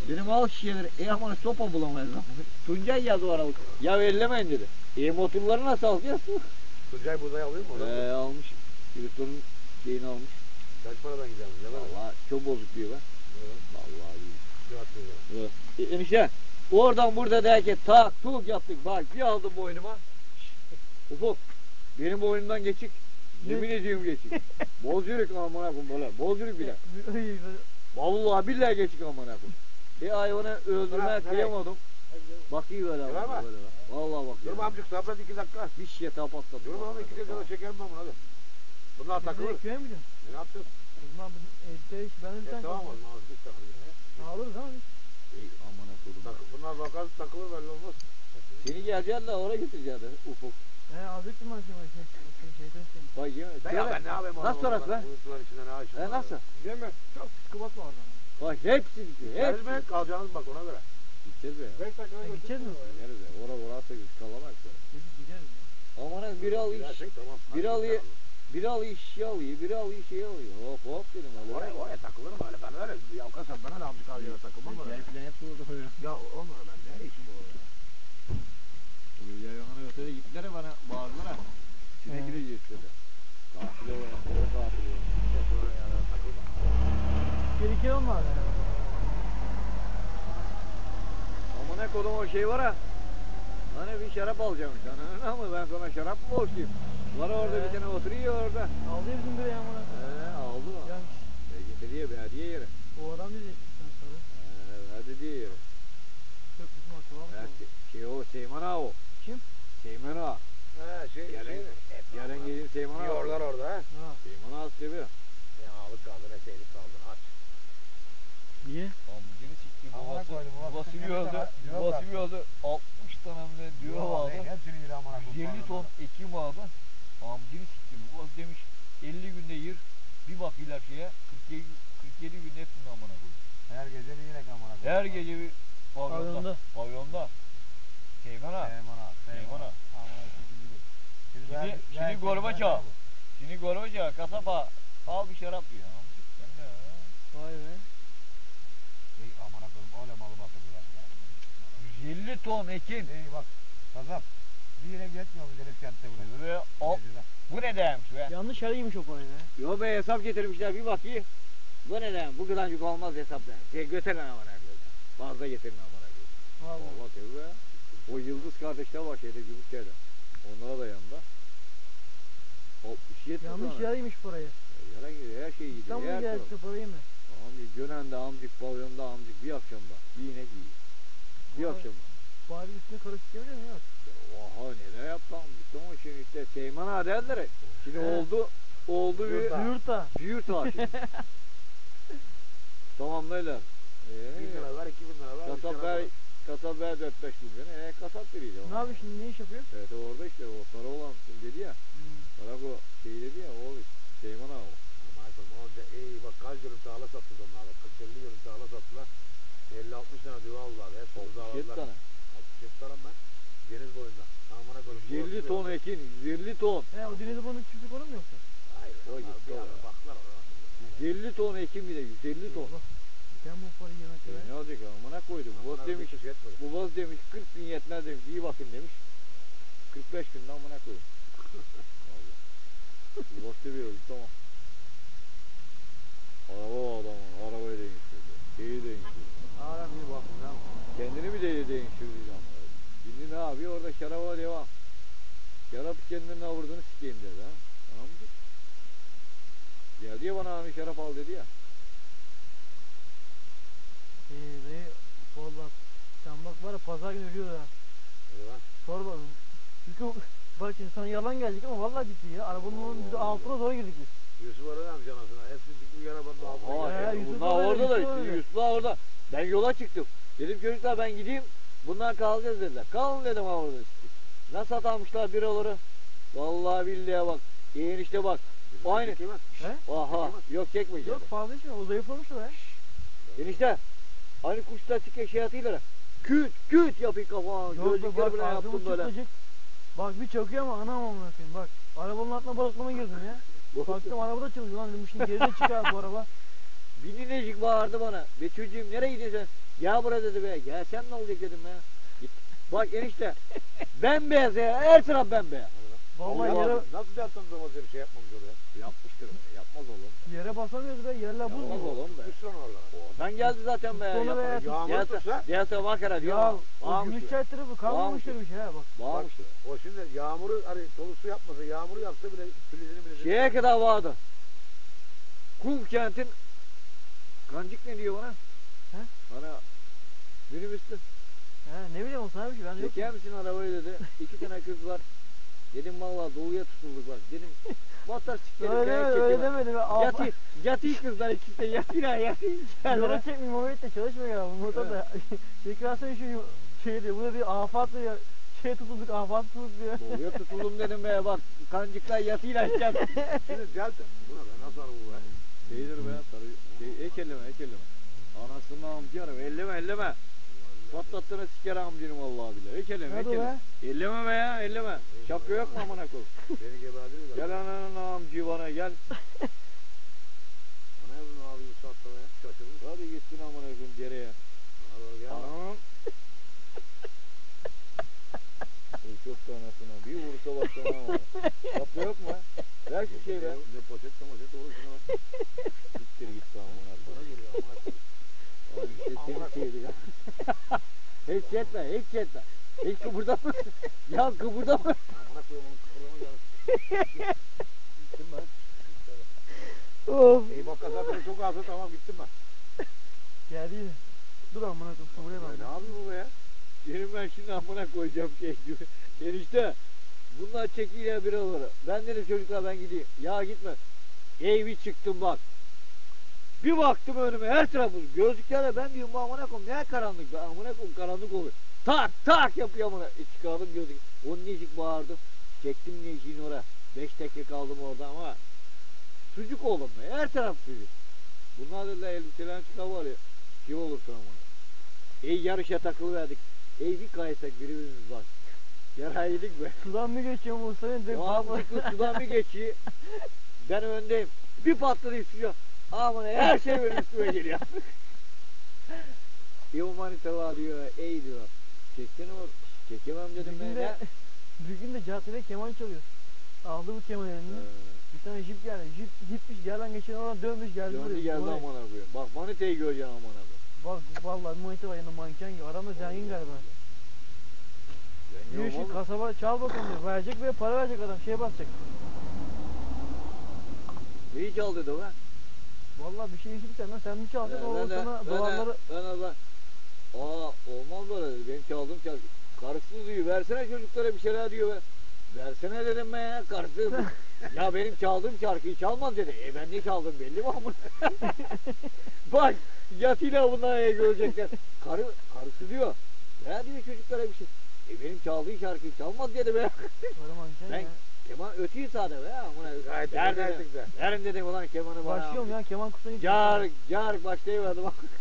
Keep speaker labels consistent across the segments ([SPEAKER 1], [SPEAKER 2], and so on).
[SPEAKER 1] Dedim al şişeleri. Aman sopa bulamayız. Tuncay geldi o aralık. Ya ellemeyin dedi. Motorları nasıl alacağız?
[SPEAKER 2] Tuncay buğday alıyor mu?
[SPEAKER 1] Almış. Yürütünün şeyini almış.
[SPEAKER 2] Kaç paradan gidelim?
[SPEAKER 1] Valla çok bozuk diyor be.
[SPEAKER 2] Evet.
[SPEAKER 1] Vallahi iyi.
[SPEAKER 2] Evet.
[SPEAKER 1] Enişte oradan burada derken tak tuk yaptık. Bak bir aldım boynuma. Ufuk benim boynumdan geçik. Yemin ediyorum geçik. Boz yürük amına koyayım böyle. Boz yürük bile. Vallahi billahi geçik amına koyayım. Hayvanı öldürmeye kıyamadım. Bakıyor böyle. Vallahi bakıyor.
[SPEAKER 2] Dur amcık sabret 2 dakika.
[SPEAKER 1] Bir şişe tap atladı.
[SPEAKER 2] Dur bakalım 2 dakika çekelim ben bunu hadi. Bunlar takılır.
[SPEAKER 3] Köye mi gidiyorsun?
[SPEAKER 2] Ne yapacağız?
[SPEAKER 3] O zaman ben de bir tane
[SPEAKER 2] Tamam o zaman biz takılırız.
[SPEAKER 3] alırız ama.
[SPEAKER 1] Amına koydum.
[SPEAKER 2] Bunlar bakar takılır belli olmaz.
[SPEAKER 1] Seni geleceksin de oraya götüreceksin Ufuk.
[SPEAKER 3] Alacaktım ben şeyden seni.
[SPEAKER 1] Bak yemin.
[SPEAKER 2] Ya ben ne yapayım?
[SPEAKER 1] Nasıl orası be?
[SPEAKER 2] Uyuttular içinde ne açın?
[SPEAKER 1] Nasıl?
[SPEAKER 2] Değil mi?
[SPEAKER 3] Çok psikopat var orada.
[SPEAKER 1] Bak hepsi gidiyor.
[SPEAKER 2] Gideriz
[SPEAKER 1] Hepsi.
[SPEAKER 2] mi? Kalacağınız bak ona göre.
[SPEAKER 1] Gideceğiz be.
[SPEAKER 2] 5 dakika
[SPEAKER 3] Gideceğiz mi?
[SPEAKER 1] Gideriz be. Orası kalamak sonra.
[SPEAKER 3] Gideriz ya.
[SPEAKER 1] Aman biri al iş.
[SPEAKER 2] Gidersek tamam.
[SPEAKER 1] Biri alıyor şişe alıyor. Biri alıyor şey alıyor. Hop hop dedim.
[SPEAKER 2] Oraya takılırım öyle. Ben öyle yavkasam bana da amcık alıyor takılmam öyle.
[SPEAKER 1] Gel filan hepsi orada oluyor.
[SPEAKER 2] Ya olmuyor ben ne işim o ya.
[SPEAKER 1] Yayvanı ötede gittiler bana bağırdılar ha. Sinek gideceğiz dedi. Katil o ya. O katil o.
[SPEAKER 2] Hep öyle ya takılma.
[SPEAKER 3] Tehlikeli onlar yani.
[SPEAKER 1] Ama ne kodum o şey var ha. Hani bir şarap alacakmış. Hani ama ben sana şarap mı borçluyum? Var orada bir tane oturuyor orada.
[SPEAKER 3] Aldı ya bizim biri yağmura.
[SPEAKER 1] Aldı mı?
[SPEAKER 3] Yani
[SPEAKER 1] Getiriyor bir hediye yere.
[SPEAKER 3] o adam diyecek sen sonra.
[SPEAKER 1] Verdi diye yere.
[SPEAKER 3] Çok bizim akrabam.
[SPEAKER 1] Şey o Seyman ağa o.
[SPEAKER 3] Kim?
[SPEAKER 1] Seyman ağa. Yarın gelin Seyman ağa.
[SPEAKER 2] Yorlar orada ha.
[SPEAKER 3] Ha.
[SPEAKER 1] Seyman ağa seviyor.
[SPEAKER 2] Ne ağalık kaldı ne şeylik kaldı aç.
[SPEAKER 3] Niye?
[SPEAKER 1] Amcını sikti.
[SPEAKER 2] Amına koydum,
[SPEAKER 1] Babası bir öldü.
[SPEAKER 2] diyor
[SPEAKER 1] Babası
[SPEAKER 2] bak.
[SPEAKER 1] bir öldü. 60 tane mi diyor vardı.
[SPEAKER 2] Hepsini yedi amına koydum.
[SPEAKER 1] 150 ton ekim vardı. Amcını sikti. Babası demiş 50 günde yır. Bir bakıyorlar şeye 47 günde hepsini amına koydu.
[SPEAKER 2] Her gece bir yine amına koydum.
[SPEAKER 1] Her gece bir pavyonda. Pavyonda. Seyman ağa. Seyman ağa. Şimdi Gorbaçov. Şimdi Gorbaçov kasaba al bir şarap diyor.
[SPEAKER 3] Vay be.
[SPEAKER 2] Ey amına koyayım öyle malı bakıyorlar ya.
[SPEAKER 1] 150 ton ekin.
[SPEAKER 2] Ey bak kasap. Bir yere yetmiyor mu Deniz kentte buraya?
[SPEAKER 1] Ve o, bu ne demiş be?
[SPEAKER 3] Yanlış araymış o parayı be.
[SPEAKER 1] Yo be hesap getirmişler bir bakayım. Bu ne demiş? Bu kadarcık olmaz hesap demiş. Götürün amına koyayım. Fazla getirin amına koyayım.
[SPEAKER 3] Vallahi.
[SPEAKER 1] Allah tabii be. O Yıldız kardeşler var şeyde Gümüşköy'de. Onlara da yanında. 67
[SPEAKER 3] Yanlış
[SPEAKER 1] tane.
[SPEAKER 3] yaraymış parayı.
[SPEAKER 1] Yalan gidiyor her şey gidiyor.
[SPEAKER 3] İstanbul'a
[SPEAKER 1] Her taraf.
[SPEAKER 3] geldi parayı mı?
[SPEAKER 1] Amcık Gönen'de amcık pavyonda amcık bir akşamda. Bir inek yiyor. Bir
[SPEAKER 3] Vay.
[SPEAKER 1] akşamda.
[SPEAKER 3] Bari üstüne karışık çeviriyor mu? Yok.
[SPEAKER 1] Oha neler yaptı amcık. Ama şimdi işte Seyman ağa derler. Şimdi
[SPEAKER 3] He.
[SPEAKER 1] oldu bir
[SPEAKER 3] Yurtta.
[SPEAKER 1] büyür tağı şimdi. Tamamlaylar.
[SPEAKER 2] 1000 lira ver 2000 lira ver.
[SPEAKER 1] Kasap ver 4-5 milyon. Kasap biriydi o.
[SPEAKER 3] Ne yapıyor şimdi? Ne iş yapıyor?
[SPEAKER 1] Evet orada işte o sarı olan kim dedi ya. Sarı şey dedi ya o Seyman ağa o.
[SPEAKER 2] Amına koyayım onca ey bak kaç dönüm tarla sattılar onlar. 40-50 dönüm tarla sattılar. 50-60 tane düve aldılar. Hepsi
[SPEAKER 1] 67
[SPEAKER 2] uzakladılar.
[SPEAKER 1] tane.
[SPEAKER 2] 67 tane ben. Deniz boyunda. Amına koyayım.
[SPEAKER 1] 150 ton ekin 150 ton.
[SPEAKER 3] He o deniz babanın çiftlik onu mu yoksa?
[SPEAKER 2] Hayır.
[SPEAKER 1] O
[SPEAKER 2] onlar
[SPEAKER 1] gitti
[SPEAKER 2] bir ara
[SPEAKER 1] oraya.
[SPEAKER 2] baktılar oraya.
[SPEAKER 1] 150 ton ekin bir de 150 ton.
[SPEAKER 3] Ben bu parayı yemekte
[SPEAKER 1] Ne
[SPEAKER 3] ben.
[SPEAKER 1] olacak amına koydum. Bu demiş. Bu baz demiş 40 bin yetmez demiş. İyi bakın demiş. 45 günde amına koyayım. Vallahi. Bu baz seviyoruz tamam. Araba o adamın. Arabayı değiştirdi. Şeyi değiştirdi.
[SPEAKER 2] Aram iyi bakın ya.
[SPEAKER 1] Kendini bir de değiştirdi amına. Şimdi ne yapıyor? Orada şaraba devam. Şarap kendinin avurdunu sikeyim dedi ha. Tamam mı? Geldi ya bana hani şarap al dedi ya.
[SPEAKER 3] Dayı valla sen bak var ya pazar günü ölüyor ya.
[SPEAKER 2] Eyvah.
[SPEAKER 3] Sor bana. Çünkü bak şimdi sana yalan gelecek ama vallahi ciddi ya. Arabanın
[SPEAKER 2] Allah
[SPEAKER 3] altına zor girdik biz.
[SPEAKER 2] Yusuf aradı amca anasına. Hepsi bir arabanın altına.
[SPEAKER 1] Aa,
[SPEAKER 3] Yusuf
[SPEAKER 1] bunlar
[SPEAKER 3] öyle,
[SPEAKER 1] orada da
[SPEAKER 3] Yusuf
[SPEAKER 1] işte.
[SPEAKER 3] öyle.
[SPEAKER 1] Yusuflar orada. Ben yola çıktım. Dedim çocuklar ben gideyim. Bunlar kalacağız dediler. Kalın dedim ha orada. Nasıl atanmışlar biraları. Vallahi billahi bak. Enişte bak. Aynı.
[SPEAKER 3] He?
[SPEAKER 1] Aha. Yok çekmeyeceğim.
[SPEAKER 3] Yok fazla içme o zayıflamış o ya.
[SPEAKER 1] Enişte. Hani kuşlar çıkıyor şey atıyorlar. Küt küt yapıyor kafana.
[SPEAKER 3] Yok be
[SPEAKER 1] Gözlükleri
[SPEAKER 3] bak
[SPEAKER 1] bile
[SPEAKER 3] ağzımı
[SPEAKER 1] yaptım böyle.
[SPEAKER 3] çıtlayacak. Bak bir çakıyor ama anam amına koyayım bak. Arabanın altına balıklama girdim ya. Baktım arabada çalışıyor lan dedim şimdi geride çıkar bu araba.
[SPEAKER 1] Bininecik bağırdı bana. Be çocuğum nereye gidiyorsun? Ya buraya dedi be. Gelsen ne olacak dedim ya. Git. Bak enişte. Bembeyaz ya. Her taraf bembeyaz.
[SPEAKER 3] Vallahi
[SPEAKER 1] Allah
[SPEAKER 3] yere,
[SPEAKER 1] Allah.
[SPEAKER 2] Nasıl yaptınız ama bir şey yapmamış oraya?
[SPEAKER 1] Yapmıştır be. Yapmaz oğlum.
[SPEAKER 3] yere basamıyoruz be. Yerler buz
[SPEAKER 1] Yapmaz
[SPEAKER 3] mu?
[SPEAKER 1] oğlum be.
[SPEAKER 2] Tutmuş lan orada.
[SPEAKER 1] Oradan geldi zaten be.
[SPEAKER 3] Tuttu onu be.
[SPEAKER 1] Yapar.
[SPEAKER 2] Yağmur
[SPEAKER 1] Diğer
[SPEAKER 2] tutsa.
[SPEAKER 1] diğer tarafa bakara diyor.
[SPEAKER 3] Ya o
[SPEAKER 1] Bağırmıştır.
[SPEAKER 3] Gümüşçay tarafı kalmamıştır bir şey ha bak.
[SPEAKER 1] Bağırmıştır.
[SPEAKER 2] O şimdi yağmuru hani dolu su yapmasa yağmuru yapsa bile filizini filizini.
[SPEAKER 1] Şeye kadar vardı. Kum kentin kancık ne diyor bana?
[SPEAKER 3] He?
[SPEAKER 1] Bana minibüste.
[SPEAKER 3] He ne bileyim o sana bir şey ben de
[SPEAKER 1] Çeker
[SPEAKER 3] yokum.
[SPEAKER 1] misin arabayı dedi. 2 tane kız var. Dedim vallahi doluya tutulduk bak. Dedim motor sikerim.
[SPEAKER 3] Öyle demedi be.
[SPEAKER 1] Yatı kızlar ikisi de yatıyla yatı.
[SPEAKER 3] Yola çekmeyeyim Mehmet de çalışmıyor ya. Bu motor da şekersen şu şey diyor. Burada bir afat diyor. Şey tutulduk afat tutulduk diyor.
[SPEAKER 1] Doluya tutuldum dedim be bak. Kancıklar yatıyla yatacağım.
[SPEAKER 2] Şimdi delta. Buna be nasıl araba bu be?
[SPEAKER 1] Şeydir be sarı. Ek elleme. Anasının amcı elleme. Patlattığını siker amcını vallahi billahi. Ek elleme.
[SPEAKER 3] Hadi be.
[SPEAKER 1] Elleme be ya elleme. Şapka yok mu amına koyayım?
[SPEAKER 2] Beni geberdiler.
[SPEAKER 1] Gel ananın amcı bana gel.
[SPEAKER 2] Ana yazın abi bu saatte be. Şaşırmış.
[SPEAKER 1] Hadi gitsin amına koyayım dereye.
[SPEAKER 2] Bana doğru gel.
[SPEAKER 1] Anam. Çok da anasına bir vursa baksana ama. Şapka yok mu? Ver şu şey be.
[SPEAKER 2] Ne poşet olur şuna bak.
[SPEAKER 1] Siktir git be amına
[SPEAKER 2] Bana
[SPEAKER 1] koyayım.
[SPEAKER 2] geliyor amına koyayım.
[SPEAKER 1] Abi işte
[SPEAKER 2] Amına
[SPEAKER 1] seni sevdik ha. Hiç etme. Hiç kıpırdama. Ya kıpırdama.
[SPEAKER 2] Amına koyayım onun kıpırlama gelsin. Gittim ben.
[SPEAKER 3] Of.
[SPEAKER 2] İyi bak kasabını çok azdı tamam gittim ben.
[SPEAKER 3] Geldi yine. Dur amına koyayım. Buraya
[SPEAKER 2] Ne
[SPEAKER 3] bak.
[SPEAKER 2] yapıyor bu be ya?
[SPEAKER 1] Benim ben şimdi amına koyacağım şey gibi. Enişte. Bunlar çekiyle bir olur. Ben dedim çocuklar ben gideyim. Ya gitme. Evi çıktım bak. Bir baktım önüme her tarafı gözlüklerle ben diyorum bu amına koyayım ne karanlık be amına koyayım karanlık oluyor. Tak yapıyor amına. Çıkardım gözlük. Onun necik bağırdım. Çektim neciğini oraya. 5 dakika kaldım orada ama sucuk oldum be her taraf sucuk. Bunlar dediler elbiselerini çıkar var ya. Şey olursun amına. Yarışa takılıverdik. Bir kaysak birimiz bak. Yara yedik be.
[SPEAKER 3] Sudan mı geçiyor Musa'nın?
[SPEAKER 1] Mantıklı sudan bir geçiyor. Ben öndeyim. Bir patladı suya. Aman her şey benim üstüme geliyor. Bir manita var diyor. Diyor. Çeksene bak. Çekemem dedim ben ya.
[SPEAKER 3] Bir gün de caddede keman çalıyor. Aldı bu keman eline. Bir tane jip geldi. Jip gitmiş yerden geçen oradan dönmüş geldi
[SPEAKER 1] Döndü
[SPEAKER 3] buraya.
[SPEAKER 1] geldi
[SPEAKER 3] Buraya.
[SPEAKER 1] amına koyayım. Bak manitayı göreceksin amına koyayım.
[SPEAKER 3] Bak vallahi manita var yanında manken gibi. Adam da zengin galiba.
[SPEAKER 1] Ben
[SPEAKER 3] Diyor
[SPEAKER 1] yok
[SPEAKER 3] şu
[SPEAKER 1] oğlum.
[SPEAKER 3] kasaba çal bakalım diyor. Verecek ve para verecek adam. Şeye basacak.
[SPEAKER 1] Neyi çal dedi o be?
[SPEAKER 3] Vallahi bir şey işitsen lan sen mi çalacaksın? O sana dolarları...
[SPEAKER 1] Olmaz böyle dedi. Benim çaldığım şarkı. Karısı diyor. Versene çocuklara bir şeyler diyor be. Versene dedim ben ya. Karısı. Ya benim çaldığım şarkıyı çalmaz dedi. Ben ne çaldım belli mi amına? Bak yatıyla bunlar görecekler. Karısı diyor. Ya diyor çocuklara bir şey. Benim çaldığım şarkıyı çalmaz dedi be.
[SPEAKER 3] Para manken
[SPEAKER 1] Ben
[SPEAKER 3] ya.
[SPEAKER 1] keman ötüyü sade be amına.
[SPEAKER 2] Gayet
[SPEAKER 1] Ver
[SPEAKER 2] gayet
[SPEAKER 1] dedim.
[SPEAKER 2] güzel.
[SPEAKER 1] Verin dedim ulan kemanı bana.
[SPEAKER 3] Başlıyorum ya keman kursuna gidiyorum.
[SPEAKER 1] Car başlayıverdim.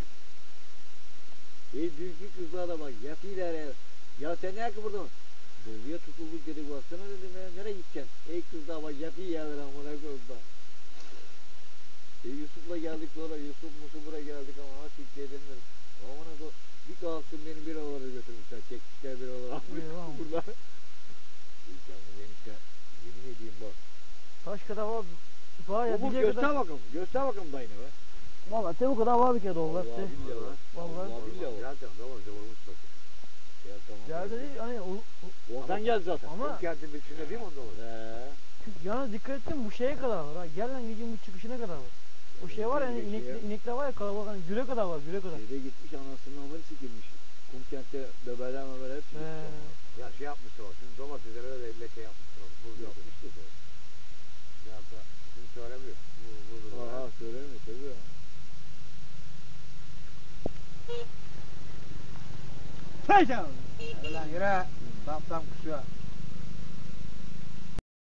[SPEAKER 1] Dünkü kızlar da bak yatıyla ya. Ya sen ne kıpırdın? Doluya tutulduk dedi baksana dedim ya nereye gideceksin? Kızlar bak yatıyı yerler amına koyayım da. Yusuf'la geldik sonra Yusuf buraya geldik ama artık şey edemiyorum. Amına koyayım bir kalktım beni bir oralara götürmüşler. Çekmişler bir oralara.
[SPEAKER 3] Eyvah.
[SPEAKER 1] Buralar. Canım enişte yemin edeyim bak.
[SPEAKER 3] Taş kadar var. Var ya
[SPEAKER 1] Umut
[SPEAKER 3] diyecek
[SPEAKER 1] göster
[SPEAKER 3] kadar.
[SPEAKER 1] bakalım. Göster bakalım dayını be.
[SPEAKER 3] Vallahi te bu kadar var bir kere dolar.
[SPEAKER 1] Vallahi billahi var.
[SPEAKER 3] Vallahi.
[SPEAKER 1] Vallahi billahi var.
[SPEAKER 2] Zaten zaman vurmuş zaten.
[SPEAKER 1] Ya tamam.
[SPEAKER 3] Geldi değil hani
[SPEAKER 1] Oradan geldi zaten.
[SPEAKER 3] Ama-
[SPEAKER 2] Ama kentin içinde değil mi onda var?
[SPEAKER 3] yalnız dikkat ettim bu şeye kadar var ha. Gel lan gecenin bu çıkışına kadar var. O şey var yani inekler var ya kalabalık hani güre kadar var güre kadar.
[SPEAKER 1] Şeyde gitmiş anasının ameli sikilmiş. Kumkent'te bebeler hep sikilmiş. ama.
[SPEAKER 2] Ya şey yapmışlar o. Şimdi domateslere de leke yapmışlar. Buz yapmış.
[SPEAKER 1] Yapmıştı da.
[SPEAKER 2] Ya da şimdi söylemiyor. Buz
[SPEAKER 1] Aha söylemiyor tabii ya.
[SPEAKER 2] Hadi lan yürü. Tam kusuyor.